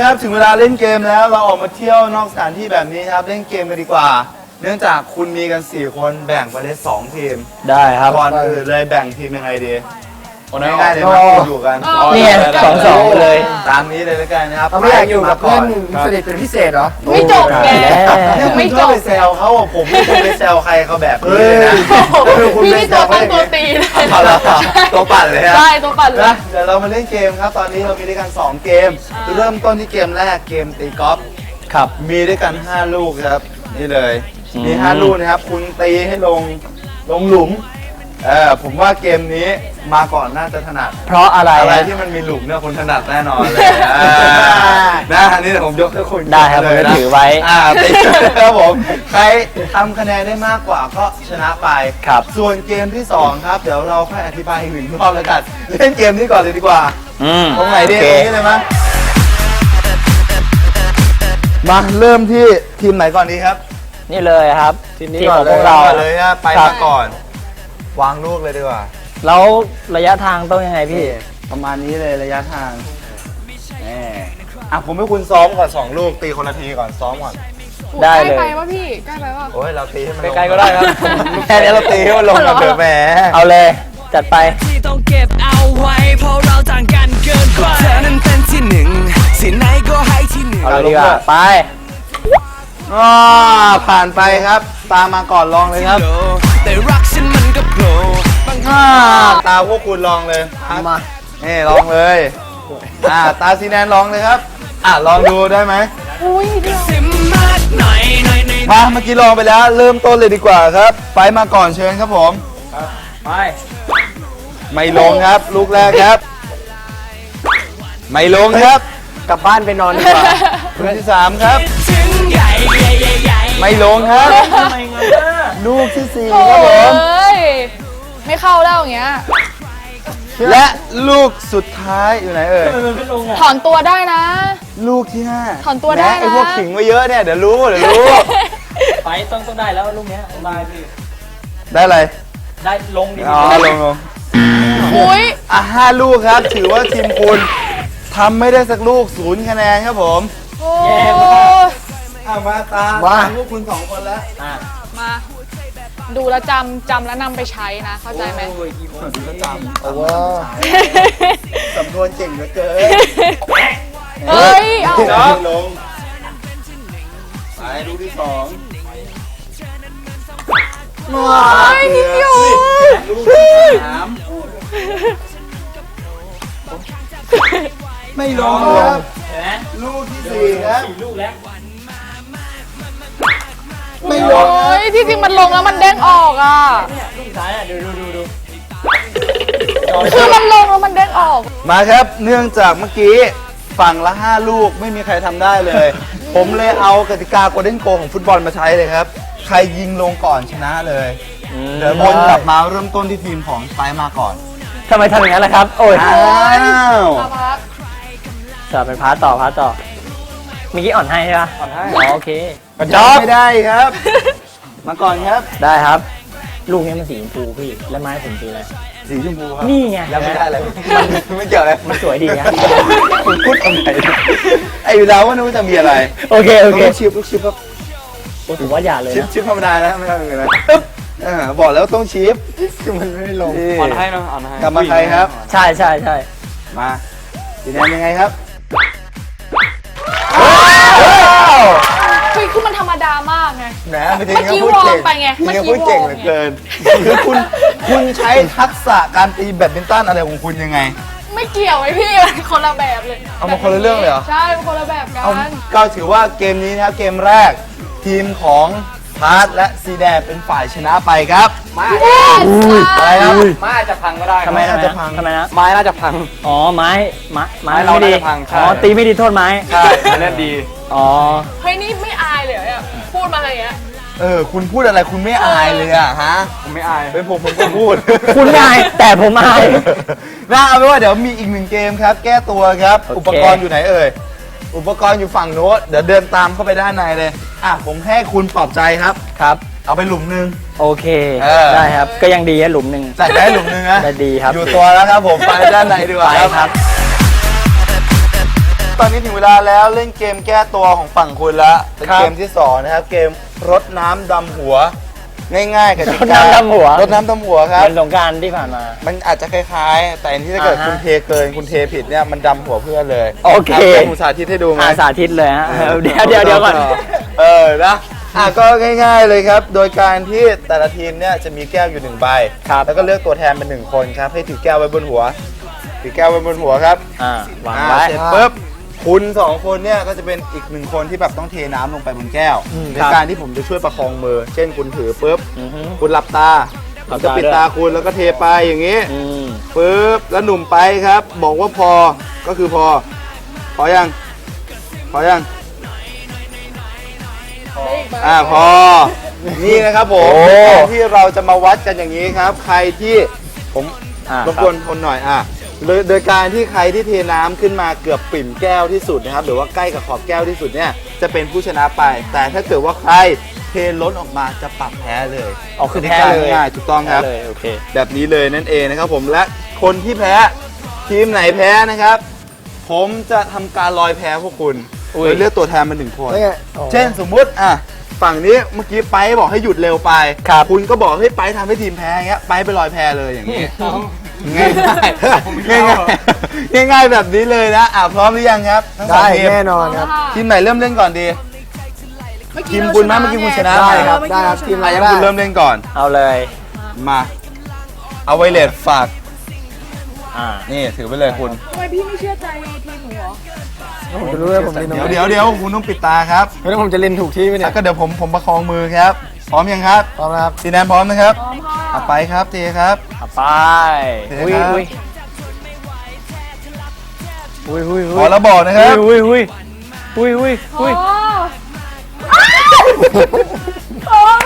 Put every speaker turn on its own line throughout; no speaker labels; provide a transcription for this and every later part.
ครับถึงเวลาเล่นเกมแล้วเราออกมาเที่ยวนอกสถานที่แบบนี้ครับเล่นเกมกันดีกว่า เนื่องจากคุณมีกัน4คนแบ่งไปได้2ทีม
ได้ครับ
ก่อนอื่นเลยแบ่งทีมยังไงดีง่ายๆเลยมาอยู่กัน
นี่2-2เลย
ตามนี้เลยแล้วกันนะครับ
ไม่อยากอยู่กับเพื่อนสนิทเป็นพิเศษเหรอ
ไม่จบแก
ไม่จบไปแซวเขาผมไม่เคยไปแซวใครเขาแบบนี้เลยนะ
พี่นี่ตัวปั้นตัวตี
ตัวปั่นเลยฮะ
ใช่ตัวปั่นเลย
เดี๋ยวเรามาเล่นเกมครับตอนนี้เรามีด้วยกัน2เกมเริ่มต้นที่เกมแรกเกมตีกอล์ฟ
ครับ
มีด้วยกัน5ลูกครับนี่เลยมี5ลูกนะครับคุณตีให้ลงหลุมผมว่าเกมนี้มาก่อนน่าจะถนัด
เพราะอะไร
ที่มันมีหลุมเนี่ยคนถนัดแน่นอนเลยนะอันนี้เดี๋ยวผมยกให้คุณ
ได้ครับผมจะถือไว้
ตีครับผมใครทำคะแนนได้มากกว่าก็ชนะไป
ครับ
ส่วนเกมที่2ครับเดี๋ยวเราค่อยอธิบายอีกหนึ่งรอบแล้วกันเล่นเกมนี้ก่อนเลยดีกว่าตรงไหนดีตรงนี้เลยมั้ยมาเริ่มที่ทีมไหนก่อนดีครับ
นี่เลยครับ
ทีมของพวกเราเลยนะไปมาก่อนวางลูกเลยดีกว่า
แล้วระยะทางต้องยังไงพี่
ประมาณนี้เลยระยะทางผมให้คุณซ้อมก่อน2ลูกตีคนละทีก่อนซ้อมก่อน
ได้เลย
ใกล้ไปป่ะพี่ใกล้ไปป่ะ
โอ้ยเราตีให้มัน
ใกล้ก็ได้ครับ
แค่นี้เราตีให้มันลงกันเถอะแหม
เอาเลยจัดไป
ที่ต้องเก็บเอาไว้เพราะเราต่างกันเกินกว่าเธอนั้นเป็นที่1สิ่งไหนก็ให้ที่1
เอาเลยดีกว่าไป
ผ่านไปครับตามมาก่อนลองเลยครับ
แต่รักฉันมันก็โผล่
ตาพวกคุณลองเลยมาลองเลยตาซีแนนลองเลยครับลองดูได้ไหมมาเมื่อกี้ลองไปแล้วเริ่มต้นเลยดีกว่าครับไปมาก่อนเชิญครับผม
ไป
ไม่ลงครับลูกแรกครับไม่ลงครับ
กลับบ้านไปนอนดีกว่า
ลูกที่3ครับไม่ลงครับลูกที่4ครับผม
ไม่เข้าแล้วอย่างเงี้ย
และลูกสุดท้ายอยู่ไหนเอ่ย
ถอนตัวได้นะ
ลูกที่5
ถอนตัวได้นะ
ไอ้พวกขิงไว้เยอะเนี่ยเดี๋ยวรู้
ไปต้องได้แล้วลูกเนี้ยได้พี่
ได้อะไร
ได้ลงดิ
ลง
อุ้ย
5ลูกครับถือว่าทีมคุณทำไม่ได้สักลูก0คะแนนครับผม
แย่
มาตาลูกคุณ2คนแล้ว
มาดูแลจำแล้วนำไปใช้นะเข้าใจไหม
ดูแลจำโอ้ว้าสำนวนเก่งเหลือเกิน
เฮ้ยเอา
ลงไปลูกที่2
นิดเดียว
ลูกที่3ไม่ลงครับลูกที่4ครับ
ลูกแล้ว
ไม่ลง
ที่จริงมันลงแล้วมันเด้งออกอ่ะ
เนี่ยลูกซ้ายดู
คือมันลงแล้วมันเด้งออก
มาครับเนื่องจากเมื่อกี้ฝั่งละ5ลูกไม่มีใครทำได้เลยผมเลยเอากติกาโกลเด้นโกของฟุตบอลมาใช้เลยครับใครยิงลงก่อนชนะเลยเดี๋ยววนกลับมาเริ่มต้นที่ทีมของสไปมาก่อน
ทำไมทำอย่างนั้นล่ะครับโอ้ยจะไปพาร์ตต่อเมื่อกี้อ่อนให้ใช่ปะ
อ่อนให้
โอเค
จบไม่ได้ครับมาก่อนครับ
ได้ครับลูกนี้มันสีชมพูพี่และไม้ผมสีอะไร
สีชมพูครับ
นี่ไง
ยังไม่ได้อะไรไม่เกี่ยวเลย
มันสวยดีนะ
คุณพูดทำไมไอ้ดาวว่านึกว่าจะมีอะไร
โอเค
ลูกชิปครับ
โอ้ถือว่าอย่าเลยนะ
ชิปธรรมดานะไม่ต้องอะไรบอกแล้วต้องชิปมันไม่ลง
อ่อนให้เนาะอ่อนให้
กลับมาใครครับ
ใช่
มาสีแดงยังไงครับ
คือมันธรรมดามากไง
เมื่อกี้วอร์มไปไงเมื่อกี้พูดเก่งเหลือเกินคือคุณใช้ทักษะการตีแบดมินตันอะไรของคุณยังไง
ไม่เกี่ยวไอ้พี่คนละแบบเลย
เอามาคนละเรื่องเลยเหรอ
ใช่คนละแบบกัน
ก็ถือว่าเกมนี้นะครับเกมแรกทีมของพาร์ทและซีแดงเป็นฝ่ายชนะไปครับ
อะไรครับ
ไม้อาจจะพังก็ได้
ทำไมน่าจะพังทำไมนะ
ไม้น่าจะพัง
อ๋อไม้
เราไม่ดี
อ๋อตีไม่ดีโทษไม้
ใช่เล่นดี
อ๋อ
เฮ้ยนี่ไม่อายเลยอ่ะพูดมาอะไรเงี้ย
คุณพูดอะไรคุณไม่อายเลยอะฮะ
ผมไม่อาย
เป็นผมก็พูด
คุณไม่อายแต่ผมอาย
เอาเป็นว่าเดี๋ยวมีอีก1เกมครับแก้ตัวครับอุปกรณ์อยู่ไหนเอ่ยอุปกรณ์อยู่ฝั่งโน้ตเดี๋ยวเดินตามเข้าไปด้านในเลยผมให้คุณปลอบใจครับเอาไปหลุมนึง
โอเคได้ครับก็ยังดีหลุมนึง
ใส่ได้หลุมนึงนะ
ได้ดีครับ
อยู่ตัวแล้วครับผมไปด้านในดีกว่า
ครับ
ตอนนี้ถึงเวลาแล้วเล่นเกมแก้ตัวของฝั่งคุณแล้วเป็น
ครับ
เกมที่สองนะครับเกมรดน้ำดำหัว ง่ายๆกับ
รดน้ำดำหัว
รดน้ำดำหัวครับ
เป็นสงกรารที่ผ่านมา
มันอาจจะคล้ายๆ แต่อันที่ถ้าเกิด
อ่าฮะ
คุณเทเกินคุณเทผิดเนี่ยมันดำหัวเพื่อนเลย
โอเค
ให้ผมสาธิตให้ดูไหม
สาธิตเลยฮะเดี๋ยวก่อน
นะก็ง่ายๆเลยครับ โดยการที่แต่ละทีมเนี่ยจะมีแก้วอยู่1ใบ
ครับ
แล้วก็เลือกตัวแทนเป็น1คนครับให้ถือแก้วไว้บนหัวถือแก้วไว้บนหัวครับ
วางไว้
เสร็จปุ๊บคุณ2คนเนี่ยก็จะเป็นอีก1คนที่แบบต้องเทน้ำลงไปบนแก้วในการที่ผมจะช่วยประคองมือ เช่นคุณถือปุ๊บ
อือฮึ
คุณหลับตา
ห
ผ
ลั
ม
บ
จะ
ตา
ปิด
ด้วย
ตาคุณแล้วก็เทไปอย่างนี้
อืม
ปุ๊บแล้วหนุ่มไปครับ บอกว่าพอก็คือพอยังพอยังพอนี่นะครับผม
โอ้
การที่เราจะมาวัดกันอย่างนี้ครับ ใครที่ผม รบกวนคนหน่อยโดยการที่ใครที่เทน้ำขึ้นมาเกือบปิ่มแก้วที่สุดนะครับหรือว่าใกล้กับขอบแก้วที่สุดเนี่ยจะเป็นผู้ชนะไป แต่ถ้าเกิดว่าใครเทล้นออกมาจะปรับแพ้เลย
อ๋อคือแพ้เลย
ง่ายๆถูกต้องครับ
เลยโอเค
แบบนี้เลยนั่นเองนะครับผมและคนที่แพ้ทีมไหนแพ้นะครับ ผมจะทำการลอยแพ้พวกคุณ
อุ้ย
โดยเลือกตัวแทนมา1คน
แล้วไงอ๋อ
เช่นสมมุติฝั่งนี้เมื่อกี้ไปบอกให้หยุดเร็วไป
ครับ
คุณก็บอกให้ไปทำให้ทีมแพ้อย่างเงี้ยไปลอยแพ้เลยอย่างนี้ง่ายๆง่ายๆแบบนี้เลยนะพร้อมหรือยังครับทั้งสอง
ได้
ทีม
แน่นอนครับ
ทีมไหนเริ่มเล่นก่อนดี
เมื่อ
ที
กี้
ม
เรา
คุณมั้ย
ชนะ
เมื่อกี้คุณชนะ
ได้
ไป
ครับได้ครับทีมอะไร
งั้
ก็
น
ได้
คุณเริ่มเล่นก่อน
เอาเลย
มาเอาไวเลสฝาก นี่ถือไปเลยคุณ
ทำไมพี่ไม่เชื่อใจทีมหนูเหรอ
ผมจะรู้ว่าผมเล่นตรงไหน
เดี๋ยวคุณต้องปิดตาครับ
ไม่ต้องผมจะเล่นถูกที่ไหมเนี่ย
แล้วก็เดี๋ยวผมประคองมือครับ พร้อมยังครับ
พร้อมนะครับ
ซีแนนพร้อมนะครับ
พร้อมค่ะ
ไปครับเจครับ
ไป
เดี๋ยวครับ
อุ้ยอุ้ย
ขอแล้วบอกนะครับ
อุ้ยอุ้ยอุ้ยอุ้ย
โอ้
อุ้ย
โอ้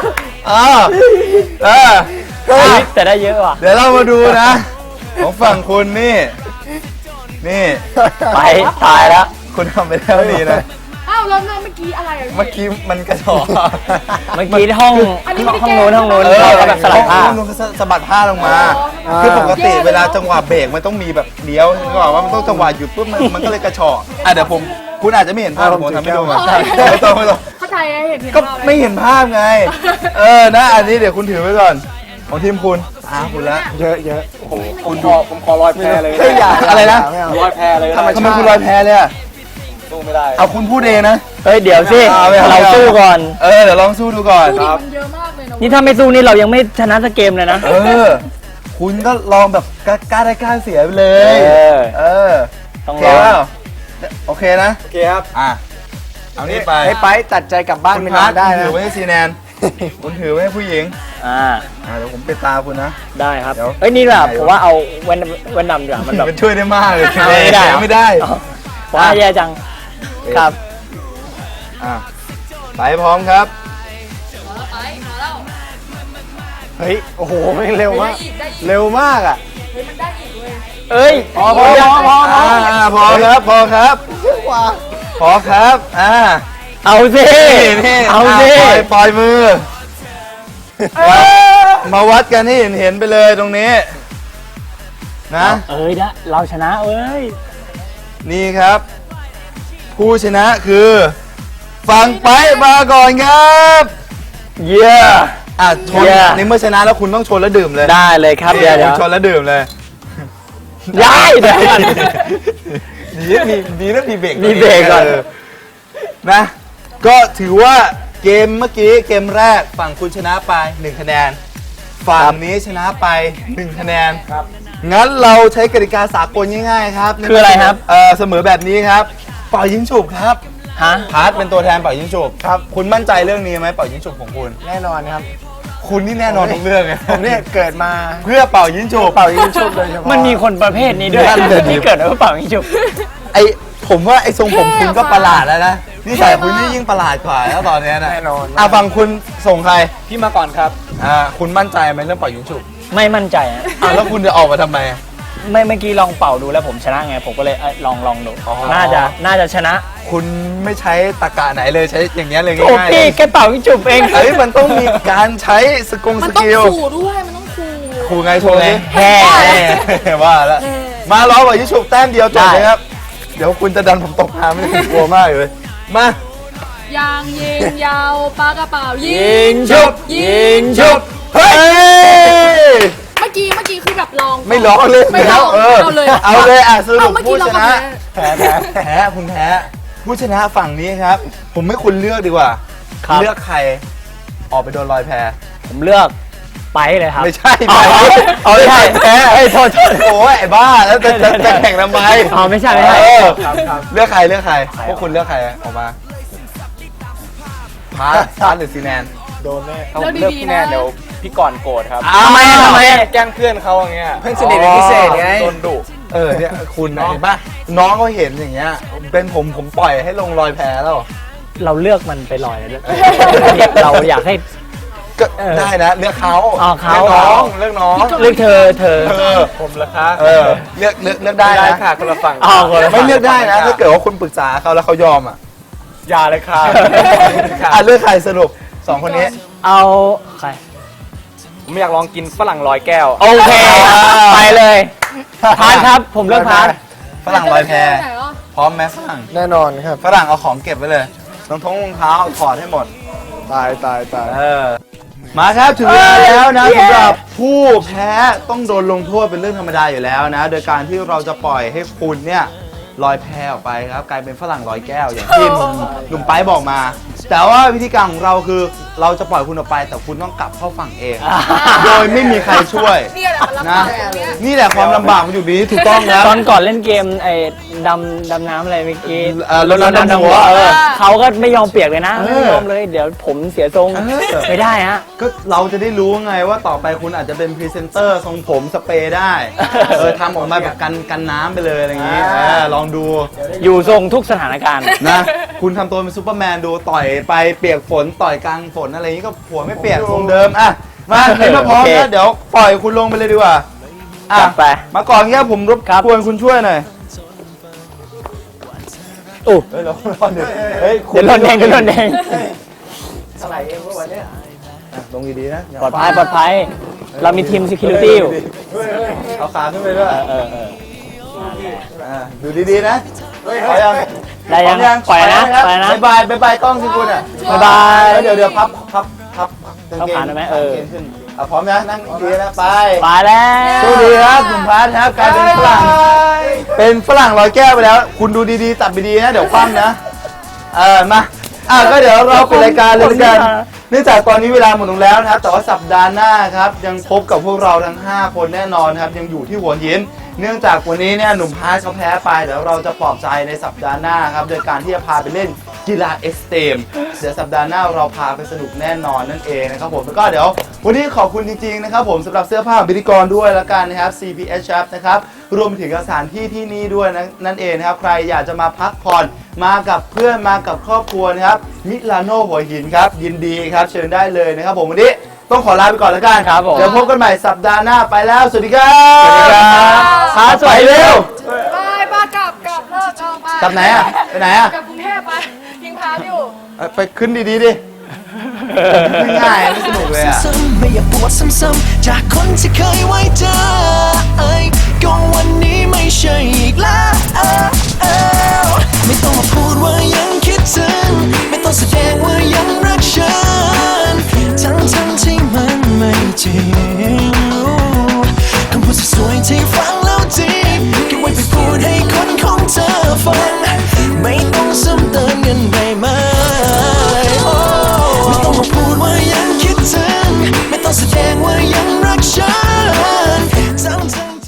แต่ได้เยอะว่ะ
เดี๋ยวเรามาดูนะ ของฝั่งคุณนี่
ไปตายแล้ว
คุณทำไปแล้วนี่นะ
อ้าวแล้วเมื่อกี้อะไรอ่ะพี่
เมื่อกี้มันกระชอก
เมื่อกี้ห้อง
อันนี้ไม่ได้
ห้องนู้น
แก้
ห้องนู้น
เออ
เราก็แบบสลับผ้า
ลงสะบัดผ้าลงมา คือปกติเวลาจังหวะเบรกมันต้องมีแบบเลี้ยวนึกออกว่ามันต้องจังหวะหยุดปุ๊บมันก็เลยกระชอกเดี๋ยวคุณอาจจะไม่เห็นภาพผมทำให้ดูก่อนไม่ต้อง
เข้าใจเห็น
ก็
ภาพเลย
ไม่เห็นภาพไง นะอันนี้เดี๋ยวคุณถือไว้ก่อน ของทีมคุณคุณละ
เยอะเยอะ
ผมขอลอยแพเลย
ไม่อยากอะไรนะ
ไม่เอา
ลอยแพเลย
ทำไมคุณลอยแพเลยอ่ะ
สู้ไม่ได้
เอาคุณพูดเองนะ
เฮ้ยเดี๋ยวสิ
ไม่เอา
เราสู้ก่อน
เดี๋ยวลองสู้ดูก่อน
ดูดิมันเยอะมากเลยนะ
นี่ถ้าไม่สู้นี่เรายังไม่ชนะสักเกมเลยนะ
คุณก็ลองแบบกล้าได้กล้าเสียไปเลย
ต้อง
โอเค
ลอง
เปล่าโอเคนะ
โอเคครับ
เอานี่ไป
ให้ไปตัดใจกลับบ้าน
คุณ
ไม่
พั
นา
ด
นได้
คุณ
นะ
ถือไว้ให้ซีแนน คุณถือไว้ให้ผู้หญิง เดี๋ยวผมปิดตาคุณนะ
ได้ครับ
เดี๋ยว
เอ้ยนี่แบบผมว่าเอาแว่นดำดีกว่ามันแบบ
มันช่วยได้มากเลย
ไม่ได้เหรอ
ไม่ได้
ผมว่าแย่จังครับ
ไปพร้อมครับ
ไปมาแล้ว
เฮ้ยโอ้โหไม่งเร็วมาก
ได้อีก
เร็วมากอ่ะ
เฮ้ยมันได้อีกเว้ย
เอ้ย
พอครับพอครับพอครับ
เอาสิ
นี่
เอาสิ
ปล่อยมือมาวัดกันให้เห็นไปเลยตรงนี้นะ
เอ้ยนะเราชนะเอ้ย
นี่ครับ ผู้ชนะคือฝั่งไปมาก่อนครับ
เยี่ย
ชนในเมื่อชนะแล้วคุณต้องชนแล้วดื่มเลย
ได้เลยครับเดี๋ยว
คุณชนแล้วดื่มเลย
ย้ายเดี๋ยวก่อน
ดีนะมีเบรก
มีเบรกก่อน
นะ ก็ถือว่าเกมเมื่อกี้เกมแรกฝั่งคุณชนะไป1คะแนนฝั่งนี้ชนะไป1คะแนนครับงั้นเราใช้กติกาสากลง่ายๆครับ
คืออะไรครับ
เสมอแบบนี้ครับเป่ายิงฉุบครับ
ฮะ
พาร์ทเป็นตัวแทนเป่ายิงฉุบครับคุณมั่นใจเรื่องนี้ไหมเป่ายิงฉุบของคุณ
แน่นอนครับ
คุณนี่แน่นอนทุกเรื่องเลย
ผมเนี่ยเกิดมา
เพื่อเป่ายิงฉุบ
เป่ายิงชุบโดยเฉพาะ
มันมีคนประเภทนี้ด้วย
นั่นเลย
ที่เกิดมาเปล่าไม่จุบ
ผมว่าไอ้ทรงผมคุณก็ประหลาดแล้วนะนิสัยคุณนี่ยิ่งประหลาดกว่าแล้วตอนเนี้ยนะ
แน่นอน
ฝั่งคุณส่งใคร
พี่มาก่อนครับ
คุณมั่นใจไหมเรื่องเป่ายิงฉุบ
ไม่มั่นใจอะ
แล้วคุณจะออกมาทำไม
เมื่อกี้ลองเป่าดูแล้วผมชนะไงผมก็เลยลองดู
อ๋อ
น่าจะชนะ
คุณไม่ใช้ตะกะไหนเลยใช้อย่างเงี้ยเลย
โอ้
ง่ายๆ
พี่แกเป่าไม่จุบเอง
มันต้องมีการใช้ส
มัน
ส
ต้อง
กิล
ขู่ด้วยมันต้องขู่
ครูไงโชว์ไง
แฮ่
ว่าแล้วมาล้อเป่ายิงฉุบแต้มเดียวจบเลยครับเดี๋ยวคุณจะดันผมตกน้ำไม่ได้ผมกลัวมากเลยมา
ยางยิงยาวปลากระเป๋ายิ
ยิงชุบยิงชุบ
เฮ้ย
เมื่อกี้คือแบบลอง
ไม่ร้องเลย
ไม่ร้อง
เอาเลยเอาเลยอ่ะสรุ
เอา
ป
เมื่อ
ผู้
กี้เรา
ช
ก็
นะ
แพ้
แพ้คุณแพ้ผู้ชนะฝั่งนี้ครับ ผมไม่คุณเลือกดีกว่า
ครับ
เลือกใครออกไปโดนลอยแพ
ผมเลือกไปเลยครับ
ไม่ใช่
อ๋อ
เอาไม่ใช่แพ้
เอ้ยโทษ
โอ้ยไอ้บ้าแล้วจะแข่งทำไม
อ๋อไม่ใช่ไม่ใช่
เออเลือกใครพวกคุณเลือกใครออกมาพาร์ทหรือซีแนน
โดนแน่
ถ้าผมเลือกพี่แนนเดี๋ยวพี่ก่อนโกรธครับ
ทำไม
แกล้งเพื่อนเขาอย่างเงี้ย
เพื่อนสนิทเป็นพิเศษไง
โดนดุ
เนี่ยคุณเห็นปะน้องเขาเห็นอย่างเงี้ยเป็นผมปล่อยให้ลงรอยแพ้แล้ว
เราเลือกมันไปลอยเลยด้วยเราอยากให้
ก็ได้นะเลือกเขา
อ๋อเขา
เลือกน้อง
เลือกเธอ
ผมเหรอคะ
เลือกได้
ได้
นะ
ค่ะคนละฝั่ง
อ๋อคนละฝั่ง
ไม่เลือกได้นะถ้าเกิดว่าคุณปรึกษาเขาแล้วเขายอมอ่ะ
อย่าเลยค่ะ
เลือกใครสรุปสองคนนี้
เอาใคร
ผมอยากลองกินฝรั่งลอยแก้ว
โอเค ไปเลยพาร์ทครับ ผมเลือกพาร์ท
ฝรั่งลอยแพ
ไหนอ่ะ
พร้อมไหมฝรั่ง
แน่นอนครับ
ฝรั่งเอาของเก็บไว้เลยรองเท้าถอดให้หมด
ตาย
มาครับถึงเวลาแล้วนะสำหรับผู้แพ้ต้องโดนลงโทษเป็นเรื่องธรรมดาอยู่แล้วนะ โดยการที่เราจะปล่อยให้คุณเนี่ยลอยแพออกไปครับกลายเป็นฝรั่งลอยแก้วอย่างที่หนุ่มไปบอกมา แต่ว่าวิธีการของเราคือเราจะปล่อยคุณออกไปแต่คุณต้องกลับเข้าฝั่งเอง โดยไม่มีใครช่วย
เนี่ยแหละมันลำบากแบบเนี้ย
นี่แหละความลำบากมันอยู่นี้ถูกต้องแล้ว
ตอนก่อนเล่นเกมไอ้ดำน้ำอะไรเมื่อกี้
รถน้ำดำหัว
เขาก็ไม่ยอมเปียกเลยนะ
เออ
ไม่ยอมเลย เดี๋ยวผมเสียทรง ไม่ได้ฮะ
ก็เราจะได้รู้ไงว่าต่อไปคุณอาจจะเป็นพรีเซนเตอร์ทรงผมสเปรย์ได้ทำออกมาแบบกันน้ำไปเลยอะไรอย่างงี้ลองดู
อยู่ทรงทุกสถานการณ์
นะคุณทำตัวเป็นซูเปอร์แมนดูต่อยไปเปียกฝนต่อยกลางฝนอะไรอย่างนี้ก็หัวไม่เปียกทรงเดิมอ่ะมาในเมื่อพร้อม
โอเค
แล้วเดี๋ยวปล่อยคุณลงไปเลยดีกว่าอ่ะ
จัดไป
มาก่อนแค่ผมรบกวนคุณช่วยหน่อย
อู้
เฮ้ยเราเดี๋ยวเฮ้ย
เดี๋ยวโดนแดงเดี๋ยวโดนแดง
ลงดีๆนะ
ปลอดภัยปลอดภัย เรามีทีม security อยู่
เอาขาขึ้นไปด้วย ดูดีๆนะพอยัง
ได้ยัง
พร้อม
ปล่อยนะ
ครับ
ปล่อยนะ
บายบายกล้องสิคุณอ่ะ
บ๊ายบาย
แล้วเดี๋ยวพับกาง
เข้า
เกง
ขาได้ไหม
กางเกงขึ้นพร้อมนะนั่งดีนะไป
ไปแล้ว
สวัสดีครับหนุ่มพัทครับกลายเป็นฝรั่งเป็นฝรั่งลอยแก้วไปแล้ว คุณดูดีๆตัดไปดีนะเดี๋ยวคว่ำนะมาก็เดี๋ยวเราปิดรายการเลยละกันเนื่องจากตอนนี้เวลาหมดลงแล้วนะครับแต่ว่าสัปดาห์หน้าครับยังพบกับพวกเราทั้ง5คนแน่นอนครับยังอยู่ที่หัวหินเนื่องจากวันนี้เนี่ยหนุ่มพาร์ทเขาแพ้ไปเดี๋ยวเราจะปลอบใจในสัปดาห์หน้าครับโดยการที่จะพาไปเล่นกีฬาเอ็กซ์ตรีมเดี๋ยวสัปดาห์หน้าเราพาไปสนุกแน่นอนนั่นเองนะครับผมแล้วก็เดี๋ยววันนี้ขอบคุณจริงๆนะครับผมสำหรับเสื้อผ้าของพิธีกรด้วยละกันนะครับ CPS Shop นะครับรวมถึงสถานที่ที่นี่ด้วยนั่นเองนะครับใครอยากจะมาพักผ่อนมากับเพื่อนมากับครอบครัวนะครับมิลานโนหัวหินครับยินดีครับเชิญได้เลยนะครับผมวันนี้ต้องขอลาไปก่อนแล้วกัน
ครับผม
เดี๋ยวพบกันใหม่สัปดาห์หน้าไปแล้วสวัสดีครับ
สวัสดีครับ
พาสวยเร็ว
ไปป้ากลับเลิกเอาไป
กลับไหนอ่ะไปไหนอ่ะ
กลับกรุงเทพไปยิงพาอยู่
ไปขึ้นดีๆดิขึ้นง่ายไม่สนุกเลยอ่ะ
ซ้ำๆไม่อยากปวดซ้ำๆจากคนที่เคยไว้ใจก็วันนี้ไม่ใช่อีกแล้ว